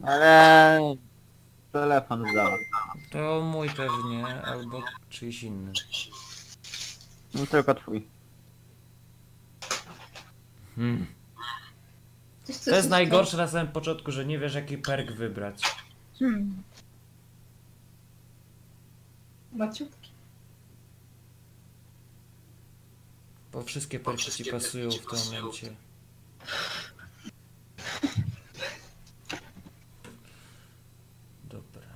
Ale... Telefon zdał. To mój pewnie, albo czyjś inny. No tylko twój. To jest najgorsze na samym początku, że nie wiesz jaki perk wybrać. Maciutki. Bo wszystkie perki ci pasują w tym momencie. Dobra.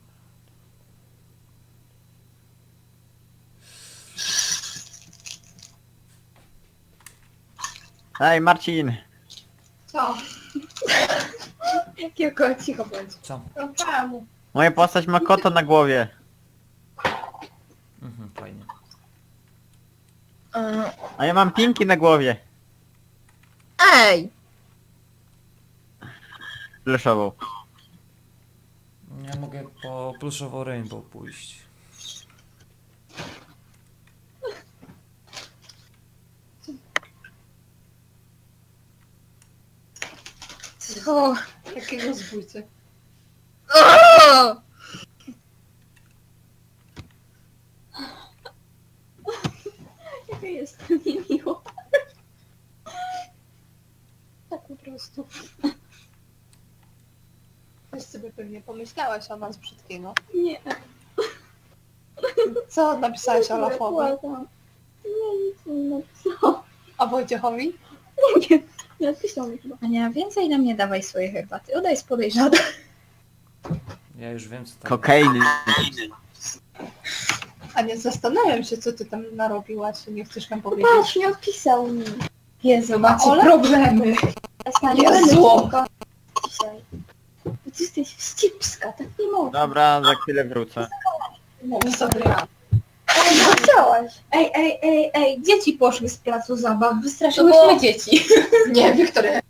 Ej, Marcin! Co? Jakiego cicho bądź. Co? No czemu? Moja postać ma kota na głowie. Fajnie. A ja mam pinki na głowie. Ej! Pluszową. Ja mogę po pluszową rainbow pójść. Co? Jakiego zbójcy? O! Jaka jest niemiło. Tak po prostu. Coś sobie pewnie pomyślałaś o nas brzydkiego. Nie. Co napisałeś Olafowi? Płakam. Nie, nic nie napisał. A Wojciechowi? Nie napisał mi chyba. Ania, więcej nam nie dawaj swojej herbaty. Ona jest podejrzana. Ja już wiem co tam. Kokainy. A nie zastanawiam się, co ty tam narobiłaś, nie chcesz nam powiedzieć. Patrz, nie odpisał mi. Jezu, macie Ole? problemy. Jezu. Dzisiaj. Bo ty jesteś wścibska, tak nie można. Dobra, za chwilę wrócę. Mów sobie. Ej, co chciałaś? Ej, dzieci poszły z placu zabaw, wystraszyłyśmy dzieci. Nie, Wiktoria